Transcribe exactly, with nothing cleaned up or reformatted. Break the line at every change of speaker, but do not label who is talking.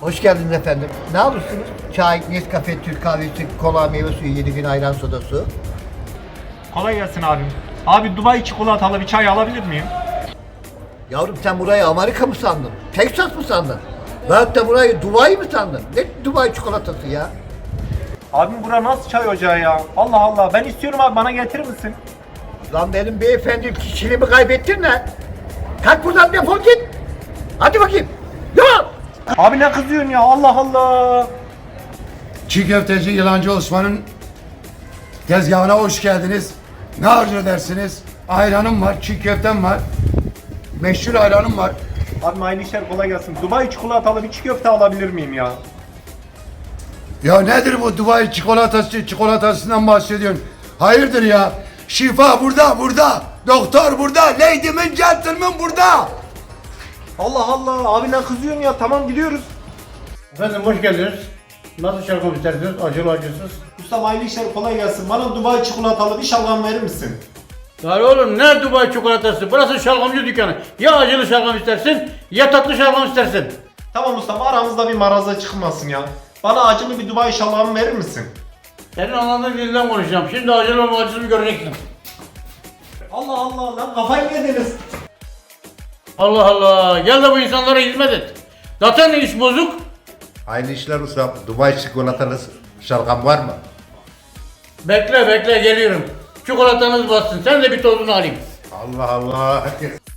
Hoş geldiniz efendim. Ne alırsınız? Çay, Nescafe, Türk kahvesi, kola, meyve suyu, yedi gün ayran soda su.
Kolay gelsin abim. Abi Dubai çikolatalı bir çay alabilir miyim?
Yavrum sen burayı Amerika mı sandın? Texas mı sandın? Veyahut da burayı Dubai mi sandın? Ne Dubai çikolatası ya?
Abim bura nasıl çay ocağı ya? Allah Allah, ben istiyorum abi, bana getirir misin?
Lan benim beyefendi kişiliğimi kaybettin lan. Kalk buradan defol git. Hadi bakayım. Yok.
Abi ne kızıyorsun ya, Allah Allah.
Çiğ köfteci Yılancı Osman'ın tezgahına hoş geldiniz. Ne arzu edersiniz? Ayranım var, çiğ köftem var. Meşhur ayranım var.
Abi hayırlı işler, kolay gelsin. Dubai çikolatalı bir çiğ köfte alabilir miyim ya?
Ya nedir bu Dubai çikolatası, çikolatasından bahsediyorsun? Hayırdır ya? Şifa burada, burada. Doktor burada. Lady'min, gentleman burada.
Allah Allah, abi ne kızıyorsun ya? Tamam, gidiyoruz.
Efendim hoş geldiniz. Nasıl şalgam istersiniz? Acılı acısız.
Ustam hayırlı işler, kolay gelsin. Bana Dubai çikolatalı bir şalgam verir misin?
Ya oğlum ne Dubai çikolatası? Burası şalgamcı dükkanı. Ya acılı şalgam istersin ya tatlı şalgam istersin.
Tamam ustam, aramızda bir maraza çıkmasın ya. Bana acılı bir Dubai şalgam verir misin?
Senin anladığın dilden konuşacağım. Şimdi acılı mı acısız mı göreceksin.
Allah Allah, lan kafayı yediniz.
Allah Allah. Gel de bu insanlara hizmet et. Zaten iş bozuk.
Hayırlı işler ustam. Dubai çikolatalı şalgam var mı?
Bekle bekle geliyorum. Çikolatanız bassın. Sen de bir tozunu alayım.
Allah Allah.